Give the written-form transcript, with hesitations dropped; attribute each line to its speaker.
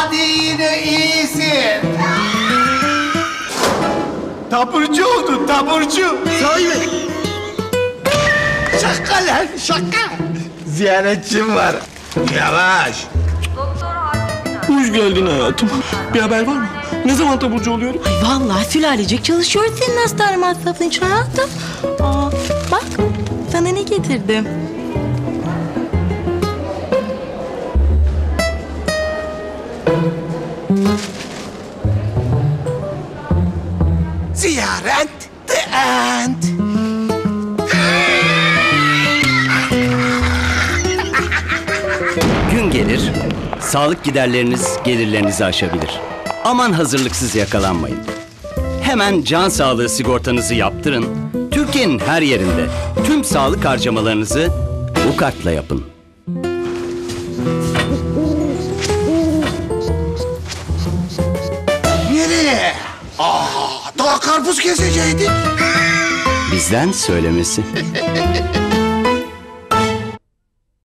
Speaker 1: Hadi yine iyisin. Taburcu oldun, taburcu.
Speaker 2: Sahi mi?
Speaker 1: Şaka lan, şaka. Ziyaretçim var. Yavaş.
Speaker 3: Hoş geldin hayatım. Bir haber var mı? Ne zaman taburcu oluyorum?
Speaker 4: Ay vallahi sülalecek çalışıyor senin hastane masrafın için hayatım. Aa, bak sana ne getirdim.
Speaker 1: Ziyaret the end.
Speaker 5: Gün gelir, sağlık giderleriniz gelirlerinizi aşabilir. Aman hazırlıksız yakalanmayın. Hemen can sağlığı sigortanızı yaptırın. Türkiye'nin her yerinde tüm sağlık harcamalarınızı bu kartla yapın.
Speaker 1: Nereye? Daha karpuz keseceydik.
Speaker 5: Bizden söylemesi.